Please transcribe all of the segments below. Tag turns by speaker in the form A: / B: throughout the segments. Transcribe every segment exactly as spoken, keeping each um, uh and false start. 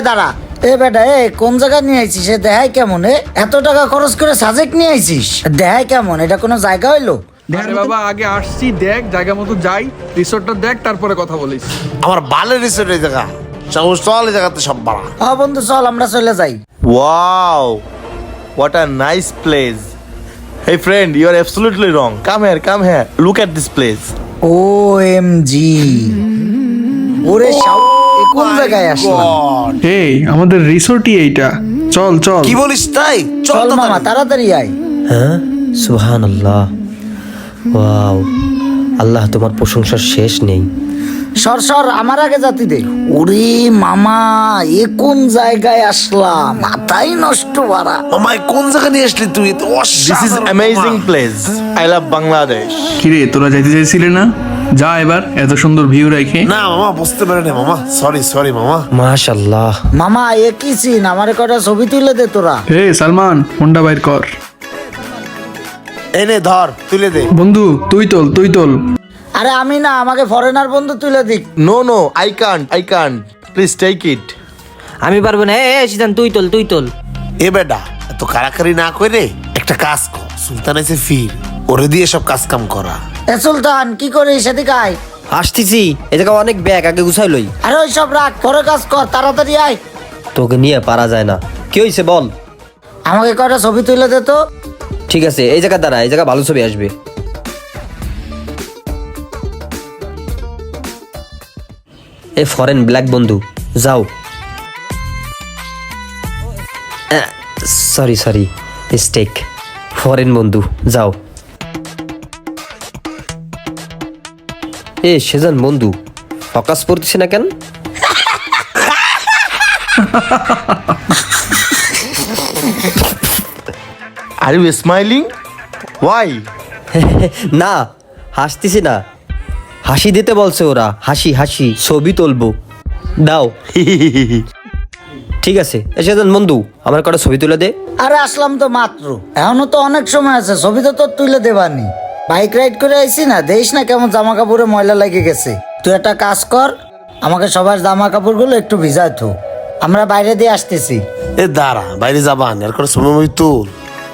A: দাঁড়া। এ বেটা এ কোন জায়গায় নিয়ে আইছিস? এ দেখাই কেমন? এ এত টাকা খরচ করে সাজেক নিয়ে আইছিস, দেখাই কেমন? এটা কোনো জায়গা হইলো?
B: আরে বাবা আগে আসছি দেখ জায়গা মতো যাই, রিসোর্টটা দেখ তারপরে কথা বলিস।
C: আমার বালের রিসোর্ট এই জায়গা, চল চল এই জায়গাতে সব বাড়া।
A: হ্যাঁ বন্ধু চল আমরা চলে যাই।
D: Wow, what a nice place. Hey friend, you are absolutely wrong. Come here, come here. Look at this place.
A: O M G, ওরে শাও, এ কোন জায়গায় আসলাম?
C: God!
B: এই আমাদের রিসোর্টই এইটা, চল চল।
C: কি বলিস তাই?
A: চল
C: চল
A: মামা
C: মামা।
A: তাড়াতাড়ি আয়।
E: হ্যাঁ সুবহানাল্লাহ, ওয়াও, আল্লাহ তোমার প্রশংসার শেষ নেই।
A: সর সর আমার আগে জাতি দে। ওরে মামা এ কোন জায়গায় আসলাম? মাথাই নষ্ট বাড়া।
C: মামা এ কোন জায়গা নিয়ে আসলি তুই? তো
D: This is amazing place. I love Bangladesh.
B: কিরে তোরা যাইতে চাইছিলে না? যা এবার, এত সুন্দর ভিউ রেখে।
C: না মামা বুঝতে পারে না মামা, সরি সরি মামা।
E: মাশাআল্লাহ,
A: মামা এ কি সিন? আমারে কটা ছবি তুলে দে তোরা।
B: হে সালমান, ফোনটা বাইর কর।
C: এনে ধর তুলে দে।
B: বন্ধু তুই তোল, তুই তোল।
A: আরে আমি না, আমাকে ফরেনার বন্ধু তুলে দিক।
D: No, no, I can't. I can't. Please take it.
E: আমি পারবো না। এ সিদ্ধান, তুই তোল, তুই তোল।
C: এ বেটা এত কারাকারি না করে একটা কাজ কর, সুলতান এসে ফির ওরে দিয়ে সব কাজ কাম করা।
A: এ সুলতান কি করিস? এদিকে আয়।
E: আসতেছি, এ জায়গা অনেক ব্যাগ, আগে গুছাই লই।
A: আরে ওই সব রাখ, পরে কাজ কর, তাড়াতাড়ি আয়।
E: তোকে নিয়ে পারা যায় না। কি হয়েছে বল?
A: আমাকে কয়টা ছবি তুলে দে তো।
E: ঠিক আছে, এই জায়গা দাঁড়া, এই জায়গা ভালো ছবি আসবে। এ ফরেন ব্ল্যাক বন্ধু যাও। সরি সরি মিস্টেক, ফরেন বন্ধু যাও। এ সেজান বন্ধু ফকাস পড়তেছে না কেন?
D: Are you smiling? Why?
E: না হাসতেছি না, হাসি দিতে বলছে ওরা। হাসি হাসি ছবি তুলবো, দাও। ঠিক আছে, এসে যান বন্ধু, আমার কটা ছবি তুলে দে।
A: আরে আসলাম তো মাত্র, এখনো তো অনেক সময় আছে, ছবি তো তোর তুলে দেবানি। বাইক রাইড করে আইছি না, দেখিস না কেমন জামা কাপড়ে ময়লা লেগে গেছে। তুই একটা কাজ কর, আমাকে সবার জামা কাপড়গুলো একটু ভিজায় তো, আমরা বাইরে দিয়ে আসতেছি।
C: এ দাঁড়া, বাইরে যাবান আর করে সময় তুল।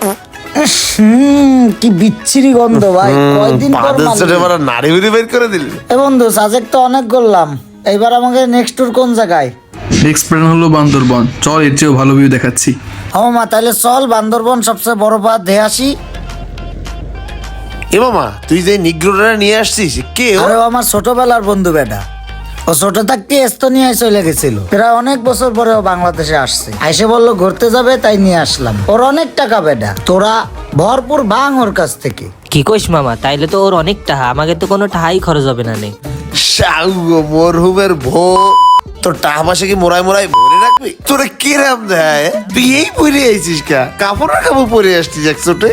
A: হুম কি বিচ্ছিরি গন্ধ ভাই, কয়দিন পর
C: বাদের
A: মারলি।
C: চোটে এবার নাড়ি বুড়ি বের করে দিলি।
A: এ বন্ধু সাজেক তো অনেক করলাম, এইবার আমাকে নেক্সট ট্যুর কোন জায়গায়?
B: নেক্সট প্ল্যান হলো বান্দরবন, চল এর চেয়েও ভালো ভিউ দেখাচ্ছি।
A: আমার মা তাহলে চল বান্দরবন সবচেয়ে বড় পাহাড় দেখে আসি।
C: এ মামা তুই যে নিগ্রোটা নিয়ে আসছিস কে ও?
A: আরে ও আমার ছোটবেলার বন্ধু বেটা, ও ছোট থাকতে এস্তোনিয়ায় চলে গেছিল, প্রায় অনেক বছর পরে ও বাংলাদেশে আসছে, আইসে বললো ঘুরতে যাবে তাই নিয়ে আসলাম। ওর অনেক টাকা বেটা, তোরা ভরপুর ভাঙ ওর কাছ থেকে।
F: কি কইস মামা, তাইলে তো ওর অনেক টাকা, আমাকে তো কোনো টাকাই খরচ হবে না নে।
C: শাউগো মরহুমের ভো, তোর টাকা পয়সা কি মোড়াই মোড়াই ভরে রাখবি? তোরে কিরাম দেয়? তুই এই পরে আইছিস কা? কাপড় আর কাপড় পরে আসছিস একশোটে।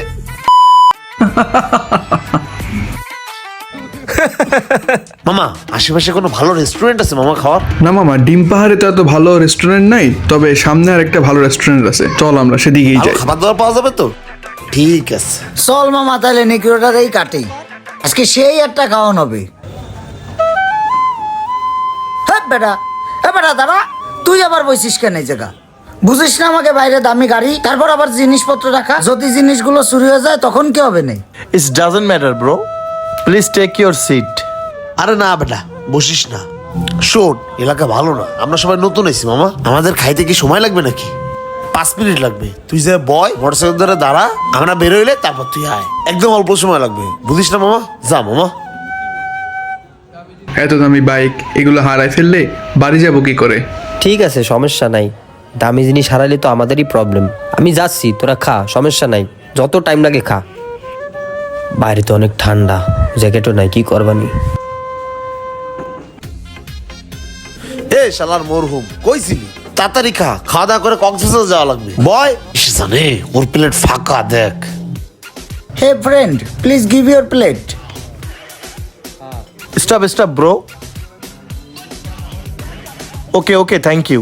C: মামা আশেপাশে কোনো ভালো রেস্টুরেন্ট আছে মামা খাওয়ার?
B: না মামা, ডিম পাহাড়ে তো এত ভালো রেস্টুরেন্ট নাই, তবে সামনে আর একটা ভালো রেস্টুরেন্ট আছে, চল আমরা সেদিকেই
C: ভালো
B: যাই।
C: খাবার দাবার পাওয়া যাবে তো? ঠিক আছে
A: চল মামা তাহলে নিকিরোটারেই কাটে, আজকে সেই একটা খাওয়ান হবে। হ্যাঁ বেটা, হ্যাঁ বেটা দাঁড়া, তুই আবার বসিস কেন এই জায়গা? বুঝিস না আমাকে বাইরে দামি গাড়ি, তারপর আবার জিনিসপত্র রাখা, যদি জিনিসগুলো চুরি হয়ে যায় তখন কি হবে? নেই
D: It doesn't matter, bro. Please take your seat.
C: আরে না বেটা বসিস না, শোন এলাকা ভালো না, আমরা সবাই নতুন এসেছি মামা, আমাদের খাইতে কি সময় লাগবে নাকি? পাঁচ মিনিট লাগবে, তুই যে বয় মোটরসাইকেল ধরে দাঁড়া, আমরা বেরোইলে তারপর তুই আয়, একদম অল্প সময় লাগবে, বুঝিস না মামা? যা মামা।
B: এত দামি বাইক এগুলো হারাই ফেললে বাড়ি যাবো কি করে?
E: ঠিক আছে সমস্যা নাই, দামি জিনিস হারালে তো আমাদেরই প্রবলেম। আমি যাচ্ছি, তোরা খা, সমস্যা নাই, যত টাইম লাগে খা। বাইরে তো অনেক ঠান্ডা, জ্যাকেটও নাই, কি করবানি?
C: এ শালার মরহুম কইছিলি তাড়াতাড়ি খা, খাওয়া দাওয়া করে কক্সবাজার যাওয়া লাগবে। বয় এসে জানে ওর প্লেট ফাঁকা দেখ।
A: Hey friend please give your plate.
D: Stop, stop, bro. Okay, okay, thank you.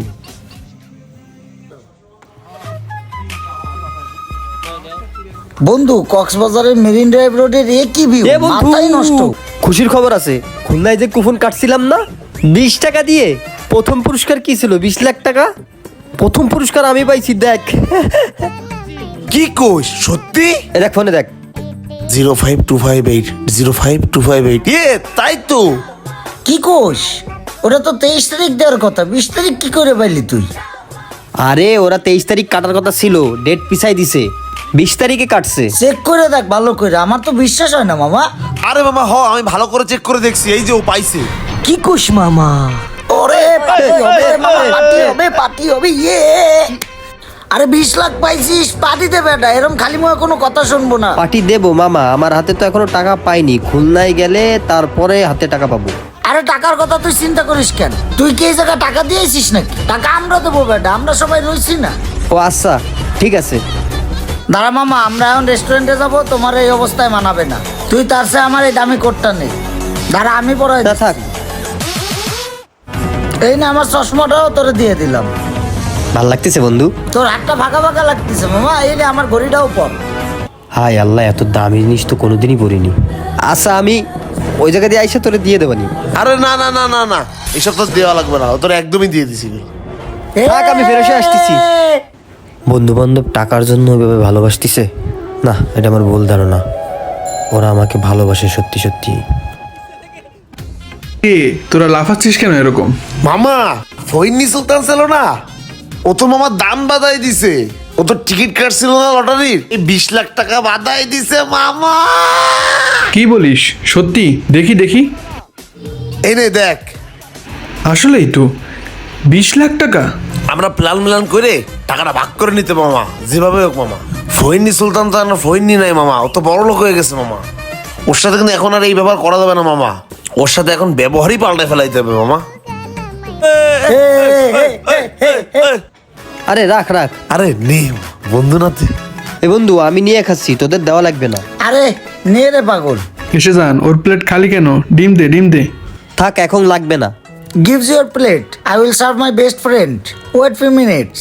A: বন্ধু কক্সবাজারের মেরিন ড্রাইভ রোডের এ কি ভিউ,
E: এ বন্ধু,
A: মাথাই নষ্ট।
E: খুশির খবর আছে, খুলনায় যে কুপন কাটছিলাম না বিশ টাকা দিয়ে, প্রথম পুরস্কার কি ছিল? বিশ লাখ টাকা। প্রথম পুরস্কার আমি পাইছি দেখ।
C: কি কোষ সত্যি?
E: এ দেখ ফোনে দেখ।
C: Zero five two five eight zero five two five eight এ তাই তো।
A: কি কোষ? ওটা তো তেইশ তারিখ দেওয়ার কথা, বিশ তারিখ কি করে পাইলি তুই?
E: আরে ওরা তেইশ তারিখ কাটার কথা ছিল, ডেট পিছাই দিছে, বিশ তারিখে কাটছে।
A: চেক করে দেখ ভালো করে, আমার তো বিশ্বাস হয় না মামা।
C: আরে মামা হ আমি ভালো করে চেক করে দেখছি, এই যে ও পাইছে।
A: কি কোষ মামা? ওরে পার্টি হবে মামা, পার্টি হবে, পার্টি হবে। ইয়ে আরে বিশ লাখ পাইছিস, পার্টি দেবে এটা, এরকম খালি মুখে কোনো কথা শুনবো না।
E: পার্টি দেবো মামা, আমার হাতে তো এখনো টাকা পাইনি, খুলনায় গেলে তারপরে হাতে টাকা পাবো।
A: আরে টাকার কথা তুই চিন্তা করিস কেন? তুই কি এই জায়গায় টাকা দিয়েছিস নাকি? টাকা আমরা দেবো বেটা, আমরা সবাই রয়েছি না।
E: ও আচ্ছা ঠিক আছে।
A: দাঁড়া মামা, আমরা এখন রেস্টুরেন্টে যাবো, তোমার এই অবস্থায় মানাবে না। তুই তার চেয়ে আমার এই দামি কোটটা নেই। দাঁড়া আমি পরে
E: তা থাক।
A: এই না আমার চশমাটাও তোরে দিয়ে দিলাম।
E: ভাল লাগতেছে বন্ধু?
A: তোর হাতটা ফাঁকা ফাঁকা লাগতেছে মামা, এই রে আমার ঘড়িটাও পর।
E: হায় আল্লাহ, এত দামি জিনিস তো কোনোদিনই পরিনি। আচ্ছা আমি ওই জায়গা দিয়ে আইসা তোরে দিয়ে দেবানি।
C: আরে না না না না না, এসব তো দেওয়া লাগবে না, ও তোর একদমই দিয়ে দিছি।
E: থাক, আমি ফেরত এসে আসতেছি। বন্ধু বান্ধব টাকার জন্য ওইভাবে ভালোবাসতিছে না, এটা আমার ভুল ধারণা। ওরা আমাকে ভালোবাসে সত্যি সত্যি।
B: এ তোরা লাফাচ্ছিস কেন এরকম?
C: মামা ফইনি সুলতান ছিল না, ও তো মামা দাম বাদাই দিছে। ও তো টিকিট কাটছিল না লটারির, এই বিশ লাখ টাকা বাদাই দিছে মামা।
B: কি বলিস? সত্যি? দেখি দেখি।
C: এই নে দেখ।
B: আসলেই তো বিশ লাখ টাকা।
C: আমরা প্ল্যান মিলান করে টাকাটা ভাগ করে নিতে মামা, যেভাবে হোক মামা। ফইনি সুলতান তো আর ফইনি নাই মামা, ও তো বড় লোক হয়ে গেছে মামা। ওর সাথে কিন্তু এখন আর এই ব্যবহার করা যাবে না মামা, ওর সাথে এখন ব্যবহারই পাল্টে ফেলাইতে হবে মামা।
E: আরে রাখ রাখ।
C: আরে নে বন্ধু না তুই।
E: এ বন্ধু আমি নিয়ে খাচ্ছি, তোদের দেওয়া লাগবে না।
A: আরে নে রে পাগল।
B: এসে যান, ওর প্লেট খালি কেন? ডিম দে ডিম দে।
E: থাক এখন লাগবে না।
A: Gives your plate. I will serve my best friend. Wait few minutes.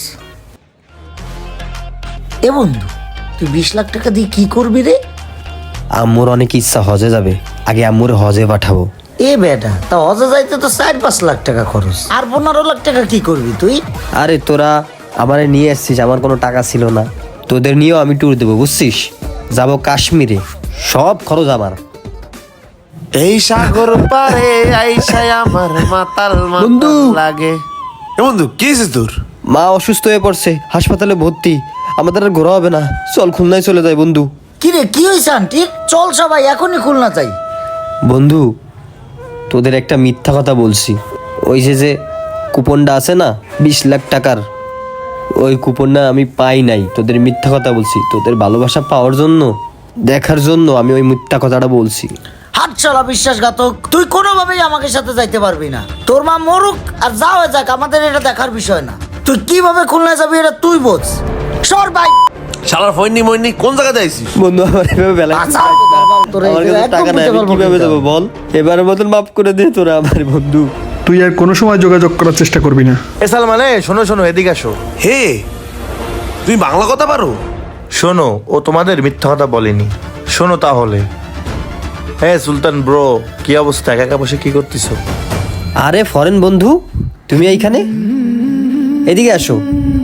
A: এ বন্ধু, তুই বিশ লাখ টাকা দিয়ে কি করবি রে?
E: আম্মুর অনেক ইচ্ছা হজে যাবে, আগে আম্মুর হজে পাঠাবো।
A: এ বেটা, তা হজে যাইতে তো চার পাঁচ লাখ টাকা খরচ, আর পনেরো লাখ টাকা কি করবি তুই?
E: আরে তোরা আমারে নিয়ে এসছিস, আমার কোনো টাকা ছিল না। তোদের নিয়েও আমি ট্যুর দেবো বুঝছিস, যাবো কাশ্মীরে, সব খরচ আমার।
C: এই সাগর পারে আইসাই আমার মাতাল
E: বন্ধু।
C: মাতাল লাগে। এ বন্ধু কি হয়েছে তোর?
E: মা অসুস্থ হয়ে পড়ছে, হাসপাতালে ভর্তি, আমাদের আর ঘোরা হবে না, চল খুলনায় চলে যাই বন্ধু।
A: কি রে, কি হয়েছে আন্টির? চল সবাই এখনই খুলনা যাই।
E: বন্ধু তোদের একটা মিথ্যা কথা বলছি, ওই যে যে কুপনটা আছে না বিশ লাখ টাকার, ওই কুপনটা আমি পাই নাই। তোদের মিথ্যা কথা বলছি, তোদের ভালোবাসা পাওয়ার জন্য, দেখার জন্য আমি ওই মিথ্যা কথাটা বলছি।
A: হাত চলা বিশ্বাসঘাতক, তুই কোনোভাবেই আমাকে সাথে যাইতে পারবি না। তোর মা মরুক আর যা হয়ে যাক, আমাদের এটা দেখার বিষয় না। তুই কিভাবে খুলনা যাবি এটা তুই বোঝ। সর ভাই।
C: শালার ফইনি মইনি কোন জায়গায় যাইছিস?
E: বন্ধু আমার এভাবে বেলা
A: আচ্ছা, তোরা
E: আমার কাছে
A: একদম
E: টাকা নাই, আমি
A: বুঝতে পারবো
E: কিভাবে
A: না।
E: দেবো বল? এবারের মতন মাফ করে দে তোরা আমার বন্ধু।
B: তুই আর কোনো সময় যোগাযোগ করার চেষ্টা করবি না।
D: এ সালমানে শোনো শোনো, এদিকে আসো।
C: হে তুই বাংলা কথা পারো?
D: শোনো, ও তোমাদের মিথ্যা কথা বলেনি। শোনো তাহলে। হ্যাঁ সুলতান ব্রো, কি অবস্থা? একা একা বসে কি করতেছো?
E: আরে ফরেন বন্ধু, তুমি এইখানে, এদিকে আসো,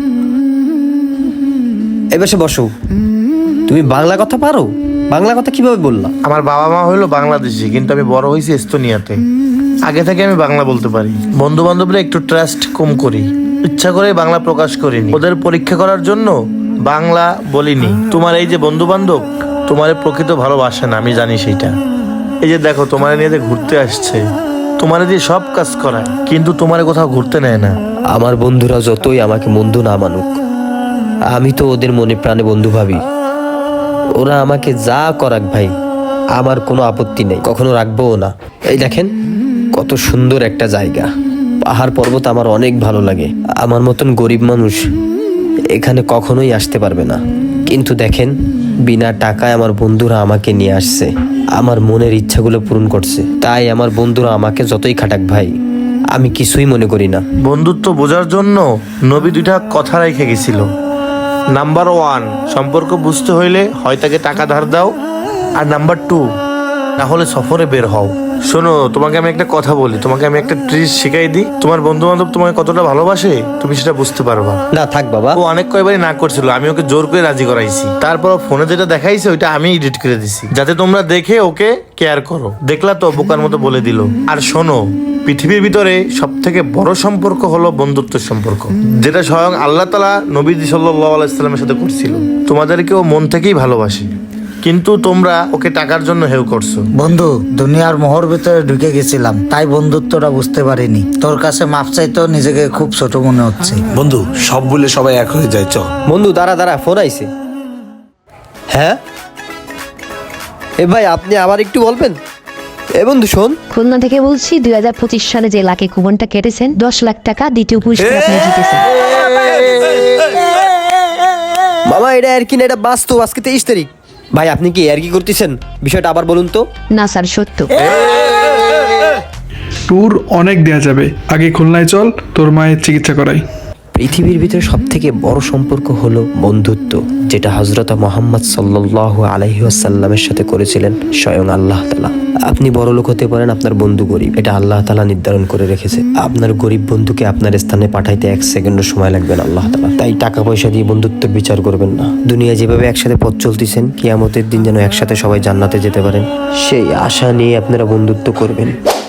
E: এবার বসো। তুমি বাংলা কথা পারো? বাংলা কথা কিভাবে বললা?
D: আমার বাবা মা হইলো বাংলাদেশি, কিন্তু আমি বড় হয়েছি এস্তোনিয়াতে। আগে থেকে আমি বাংলা বলতে পারি। বন্ধু বান্ধবরা একটু ট্রাস্ট কম করি, ইচ্ছা করে বাংলা প্রকাশ করিনি। ওদের পরীক্ষা করার জন্য বাংলা বলিনি। তোমার এই যে বন্ধু বান্ধব তোমার প্রকৃত ভালোবাসে না, আমি জানি সেইটা। এই যে দেখো, তোমার নিয়ে যে ঘুরতে আসছে, তোমার দিয়ে সব কাজ করায়, কিন্তু তোমার কোথাও ঘুরতে নেয় না।
E: আমার বন্ধুরা যতই আমাকে বন্ধু না মানুক, আমি তো ওদের মনে প্রাণে বন্ধু ভাবি। ওরা আমাকে যা করাক ভাই, আমার কোনো আপত্তি নেই, কখনো রাখবোও না। এই দেখেন কত সুন্দর একটা জায়গা, পাহাড় পর্বত আমার অনেক ভালো লাগে। আমার মতন গরিব মানুষ এখানে কখনোই আসতে পারবে না, কিন্তু দেখেন বিনা টাকায় আমার বন্ধুরা আমাকে নিয়ে আসছে, আমার মনের ইচ্ছাগুলো পূরণ করছে। তাই আমার বন্ধুরা আমাকে যতই খাটাক ভাই, আমি কিছুই মনে করি না।
D: বন্ধুত্ব বোঝার জন্য নবী দুইটা কথা রেখে গেছিল। নাম্বার ওয়ান, সম্পর্ক বুঝতে হইলে হয় তাকে টাকা ধার দাও, আর নাম্বার টু, না হলে সফরে বের হও। শোনো, তোমাকে আমি একটা কথা বলি, তোমাকে আমি একটা ট্রিক শিখাই দিই। তোমার বন্ধু বান্ধব তোমাকে কতটা ভালোবাসে তুমি সেটা বুঝতে পারবা।
E: না থাক বাবা।
D: ও অনেক কয়বারই না করছিল, আমি ওকে জোর করে রাজি করাইছি। তারপর ফোনে যেটা দেখাইছে ওইটা আমি এডিট করে দিছি, যাতে তোমরা দেখে ওকে কেয়ার করো। দেখলা তো বোকার মতো বলে দিল। আর শোনো, পৃথিবীর ভিতরে সব থেকে বড় সম্পর্ক হলো বন্ধুত্বের সম্পর্ক, যেটা স্বয়ং আল্লাহ তাআলা নবীজি সাল্লাল্লাহু আলাইহি সাল্লামের সাথে করছিল। তোমাদেরকে ও মন থেকেই ভালোবাসে, কিন্তু তোমরা ওকে টাকার জন্য হেউ করছো।
A: বন্ধু, দুনিয়ার মোহর ভিতরে ঢুকে গেছিলাম, তাই বন্ধুত্বটা বুঝতে পারিনি। তোর কাছে মাপ চাইতেও নিজেকে খুব ছোট মনে হচ্ছে।
C: বন্ধু, সব বলে সবাই এক হয়ে যায়, চল।
E: বন্ধু দাঁড়া দাঁড়া, ফোন আইছে। হ্যাঁ এ ভাই, আপনি আবার একটু বলবেন? এ বন্ধু শোন,
G: খুলনা থেকে বলছি, দুই হাজার পঁচিশ সালে যে লাকি কুপনটা কেটেছেন, দশ লাখ টাকা দ্বিতীয় পুরস্কার আপনি জিতেছেন।
E: মামা এটা আর কি না, এটা বাস্তব। আজকে তেইশ তারিখ। ভাই আপনি কি আর কি করতেছেন? বিষয়টা আবার বলুন তো।
G: না স্যার, সত্য।
B: ট্যুর অনেক দেয়া যাবে, আগে খুলনায় চল, তোর মায়ের চিকিৎসা করাই।
E: পৃথিবীর ভিতরে সব থেকে বড় সম্পর্ক হলো বন্ধুত্ব, যেটা হযরত মুহাম্মদ সাল্লাল্লাহু আলাইহি ওয়াসাল্লামের সাথে করেছিলেন স্বয়ং আল্লাহ তাআলা। আপনি বড় লোক হতে পারেন, আপনার বন্ধু গরিব, এটা আল্লাহ তাআলা নির্ধারণ করে রেখেছে। আপনার গরিব বন্ধুকে আপনার স্থানে পাঠাইতে এক সেকেন্ডও সময় লাগবে না আল্লাহ তাআলা। তাই টাকা পয়সা দিয়ে বন্ধুত্বের বিচার করবেন না। দুনিয়া যেভাবে একসাথে পথ চলতেছেন, কিয়ামতের দিন যেন একসাথে সবাই জান্নাতে যেতে পারেন, সেই আশা নিয়ে আপনারা বন্ধুত্ব করবেন।